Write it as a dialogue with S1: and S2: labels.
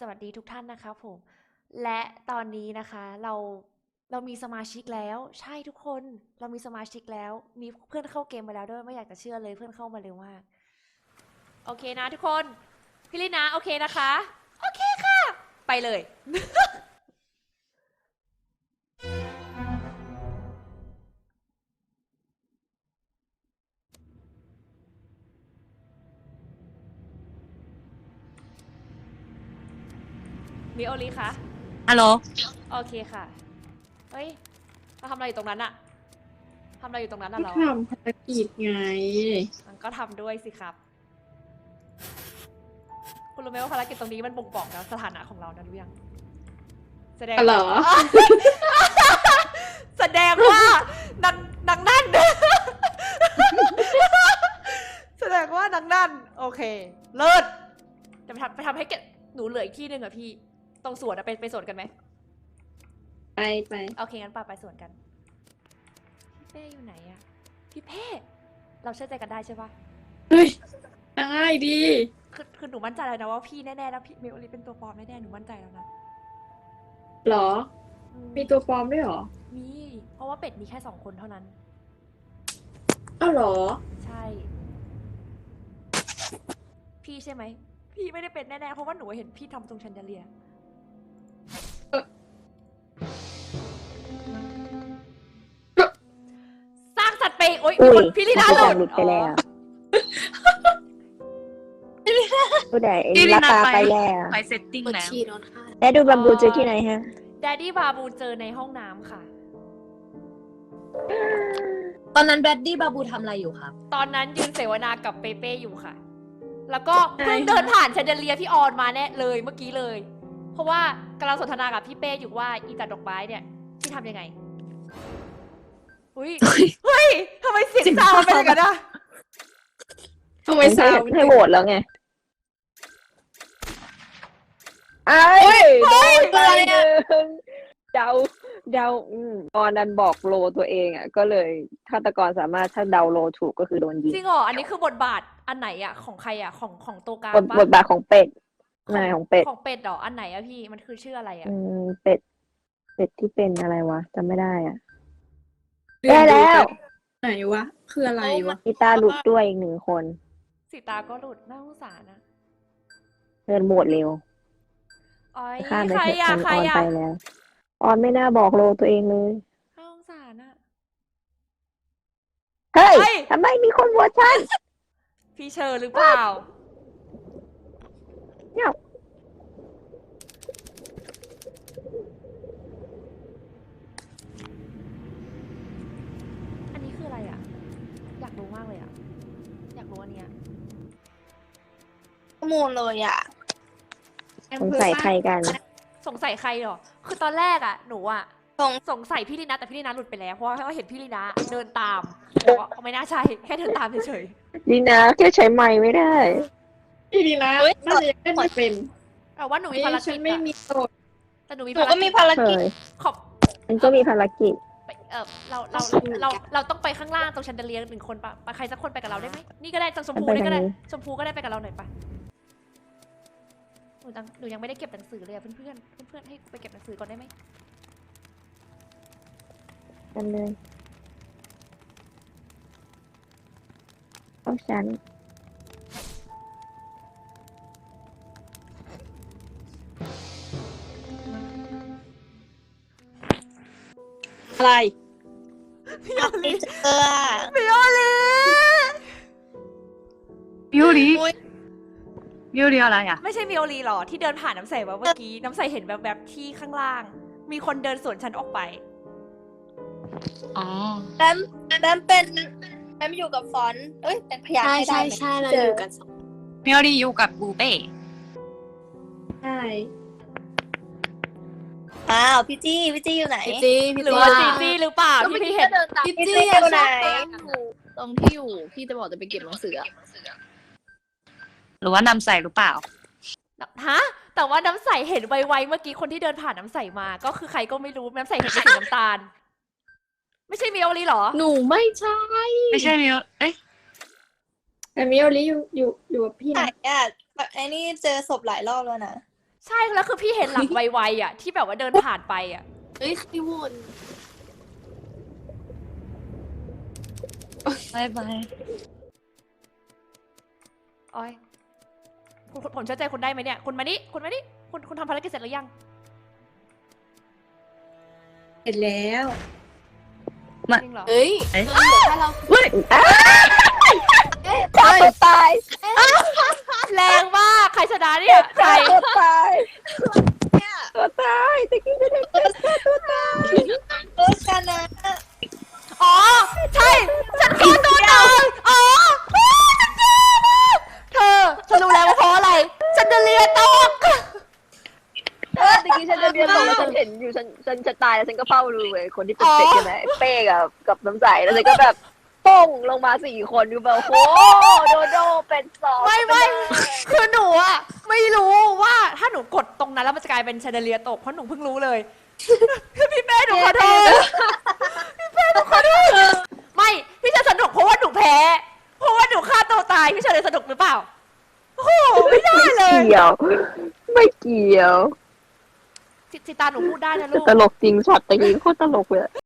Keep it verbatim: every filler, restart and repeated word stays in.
S1: สวัสดีทุกท่านนะคะผมและตอนนี้นะคะเราเรามีสมาชิกแล้วใช่ทุกคนเรามีสมาชิกแล้วมีเพื่อนเข้าเกมมาแล้วด้วยไม่อยากจะเชื่อเลยเพื่อนเข้ามาเร็วมากโอเคนะทุกคนพี่ลินะโอเคนะคะโอเคค่ะไปเลยมิโอริคะ
S2: ฮัลโหล
S1: โอเคค่ะเฮ้ยเราทำอะไรอยู่ตรงนั้นอะทำอะไรอยู่ตรงนั้นอะ
S3: ก็
S1: เรา
S3: ทำภารกิจไง
S1: มันก็ทำด้วยสิครับคุณรู้ไหมว่าภารกิจตรงนี้มันบ่งบอกนะสถานะของเรานะรู้ยังแสดง
S3: เหรอ
S1: แสดงว่านางนางนั่น แสดงว่านางนั่นโอเคเลิศจะไปทำไปทำให้เกดหนูเหลืออีกที่หนึ่งอะพี่ตรงสวนอะไปไปสวนกันไหม
S3: ไปไป
S1: โอเคงั้นป่าไปสวนกันพี่เป้อยู่ไหนอะพี่เป้เราเชื่อใจกันได้ใช่ปะ
S3: เฮ้ยได้ดี
S1: คือคือหนูมั่นใจแล้วนะว่าพี่แน่ๆแล้วพี่เมลลีเป็นตัวปลอมแน่ๆหนูมั่นใจแล้วนะ
S3: เหรอ
S1: อื
S3: มีตัวปลอมด้วยเหรอ
S1: มีเพราะว่าเป็ดมีแค่สองคนเท่านั้น
S3: อ้าวเหรอ
S1: ใช่ พี่ใช่ไหม พี่ไม่ได้เป็นแน่ๆ เพราะว่าหนูเห็นพี่ทำตรงชันเดเลีย
S3: เอ่อ
S1: สร้างสัตว์ไปโอ๊ย
S4: อุ้
S1: มี
S4: ย
S1: คนพี่ลีน่าหลุด
S4: หลุดไปแล้ว ผู้ใด
S2: พี่ลิ
S4: รา
S2: นา
S4: คา
S2: ไป
S4: ไปแล้ว
S2: ไปเซตติ้งแล้ว
S4: แล้วดูบัมบูเจอที่ไหนฮะ
S1: แดดดี้บาบูเจอในห้องน้ำค่ะ
S5: ตอนนั้นแบดดี้บาบูทำอะไรอยู่ครับ
S1: ตอนนั้นยืนเสวนากับเปเป้อยู่ค่ะ แล้วก็เพิ่งเดินผ่านชันเดเลียพี่ออนมาแน่เลยเมื่อกี้เลย เพราะว่ากำลังสนทนากับพี่เป้อยู่ว่าอีจัดดอกไม้เนี่ยพี่ทำยังไงอุ้ยเฮ้ยทำไมเสียงซาวมันเป็นอย่างนั้นอะ
S3: ทำไม
S4: ให้
S3: สาว
S4: ให้โหวตแล้วไงไอ้
S3: เฮ้ย
S4: ไปหนึ่งเดาเดาอืมตอนนั้นบอกโลตัวเองอ่ะ ก็เลยฆาตกรสามารถถ้าเดาโลถูกก็คือโดนยิง
S1: จริงเหรออันนี้คือบทบาทอันไหนอะของใครอะของของตัวกลาง
S4: บท
S1: ปะ
S4: บทบาทของเป็ดนายของเป็ด
S1: ของเป็ดเหรออันไหนอะพี่มันคือชื่ออะไรอะ
S4: อืมเป็ด เป็ดที่เป็นอะไรวะจำไม่ได้อ่ะ ได้แล้ว
S3: ไหนวะ คืออะไรวะ
S4: กีตาร์หลุดด้วยอีกหนึ่งคน
S1: สีตาก็หลุดน่าสงสารนะ
S4: เดินโหวตเร็ว
S1: อ๋อย
S4: ข้ามไป
S1: ใคร
S4: เถอะ
S1: อะ
S4: ฉัน
S1: ใคร
S4: ออน
S1: อะ
S4: ไปแล้ว ออนไม่น่าบอกโลตัวเองเลย
S1: น่าสงสารอะ
S4: เฮ้ย
S1: เฮ้ย
S4: ทำไมมีคนโหวตฉัน
S1: พี่เชอร์หรือเปล่า
S4: เนี่ย
S1: อันนี้คืออะไรอะอยากรู้มากเลยอะอยากรู้อันเนี้ย
S5: ข้อมูลเลยอ่ะ
S4: สงสัยใครกัน
S1: สงสัยใครเหรอคือตอนแรกอะหนูอะ
S5: สง
S1: สงสัยพี่ลีนาแต่พี่ลีนาหลุดไปแล้วเพราะว่าเห็นพี่ลีนาเดินตามแต่ว่าไม่น่าใช่แค่เดินตามเฉย
S4: ดีนะแค่ใช้ไม้ไม่ได้
S3: พี่ดีนะ
S5: เฮ้ย
S3: น่าจะยังไม่เป็น
S1: ๆแต่ว่าหนูมี
S3: เอ้ย
S1: ภาร
S3: ฉั
S1: กิ
S3: น
S1: จ
S3: ไม่
S1: อะ
S3: มีโสด
S1: แต่หนูมี
S5: หนู
S1: ภาร
S5: ก็มี
S1: กิจ
S5: ภาร
S4: เค
S5: กิจ
S4: ย
S1: ขอบ
S4: มันก็มีภารกิจ
S1: ไปเออเราเราเราเราต้องไปข้างล่างตรงชันเดเลียหนึ่งคนปะไปใครสักคนไปกับเราได้ไหมนี่ก็ได้จังชมพู
S4: ไป
S1: นี่ก็ได้
S4: ทางนี้
S1: ชมพูก็ได้ไปกับเราหน่อยปะหนูยังหนูยังไม่ได้เก็บหนังสือเลยอะเพื่อนเพื่อนเพื่อนๆให้ไปเก็บหนังสือก่อนได้ไหม
S4: กันเลยต้องฉัน
S3: อะไร
S1: พี่โอลี
S5: เออ
S1: พี่โอลี
S2: มิวริ
S5: อุ๊ย
S2: มิวริอะไรอ่ะ
S1: ไม่ใช่มิโอลีหรอที่เดินผ่านน้ำใสมาเมื่อกี้น้ำใสเห็นแบบแบบๆที่ข้างล่าง มีคนเดินสวนฉันออกไป
S2: อ๋อ
S5: แบมแบมเป็นแบมอยู่กับฟอนต์เอ้ย เป็นพยาน
S6: ใช่
S5: ให้ได้
S6: ใช่
S5: ไหม
S6: ใช่เรา
S5: เจ
S6: อ
S5: อยู่
S6: กันสอง
S2: มิวริอยู่กับบูเป้
S3: ใช่
S5: อ้าวพี่จี้พี่จี้อยู่ไหน
S6: พี่จีพี่
S1: หรือ
S6: จี
S1: ว่าจีจี้หรือเปล่าที่พี่เห็น
S6: พี่
S5: พี่
S6: จี
S5: จี้อยู่ไหน
S6: ตรงที่อยู่พี่จะบอกจะไปเก็บหนังสืออะ
S2: หรือว่านำใส่หรือเปล่า
S1: ฮะแต่ว่าน้ำใสเห็นไวๆเมื่อกี้คนที่เดินผ่านน้ำใสมา ก็คือใครก็ไม่รู้น้ำใสเห็นเป็นสีน้ำตาล ไม่ใช่มิโอลีหรอ
S6: หนูไม่ใช่
S2: ไม่ใช่มิวเอ๊ะ
S3: แต่มิโอริอยู่อยู่อยู่กับพี่
S5: ไหน
S3: นะ
S5: อ่ะไอ้นี่เจอศพหลายรอบแล้วนะ
S1: ใช่แล้วคือพี่เห็นหลังไวๆอ่ะ ที่แบบว่าเดินผ่านไปอ่ะ
S3: เฮ้ยใครโหวต
S2: บายบาย
S1: โอ้ยคุณคุณผมเชื่อใจคุณได้ไหมเนี่ย คุณมานี่คุณมานี่คุณคุณทำภารกิจเสร็จหรือยัง
S3: เสร็จแล้ว
S1: จริงเหรอ
S3: เฮ้ย
S2: เอ้ย
S3: เออเหลือแค่เรา
S4: ฆ่าตัวตาย
S1: แรงมากใครชนะเนี่ยใคร
S4: ฆ่าตัวตายตัวตายตะกี้ไม่ได้ฆ่าตัวตาย
S5: เออชนะ
S1: อ๋อ ใช่ ฉันฆ่าตัวตายอ๋อเธอฉันรู้แล้วว่าเพราะอะไร ฉันจะเลียตก
S4: เออตะกี้ฉันจะเรียนบอกแล้วฉันเห็นอยู่ฉันฉันจะตายแล้วฉันก็เฝ้าดูเว้ยคนที่เป็นเป็ดใช่ไหมไอ้เป้กับกับน้ำใสแล้วฉันก็แบบป้งลงมาสี่คนดูแบบโอ้โหโดโดเป็นสอง
S1: ไม่ไม่คือหนูอะไม่รู้ว่าถ้าหนูกดตรงนั้นแล้วมันจะกลายเป็นแชนเดอเลียร์ตกเพราะหนูเพิ่งรู้เลย พี่เป้หนูขอโทษพี่เป้หนูขอโทษไม่พี่จะสนุกเพราะว่าหนูแพ้เพราะว่าหนูฆ่าตัวตายพี่จะเลยสนุกหรือเปล่าโอ้โหไม่ได้เลย
S4: เกี่ยว ไม่เกี่ยว
S1: สิตาหนูพูดได้นะลูก
S4: ตลกจริงช็อตตะกี้โคตรตลกเลย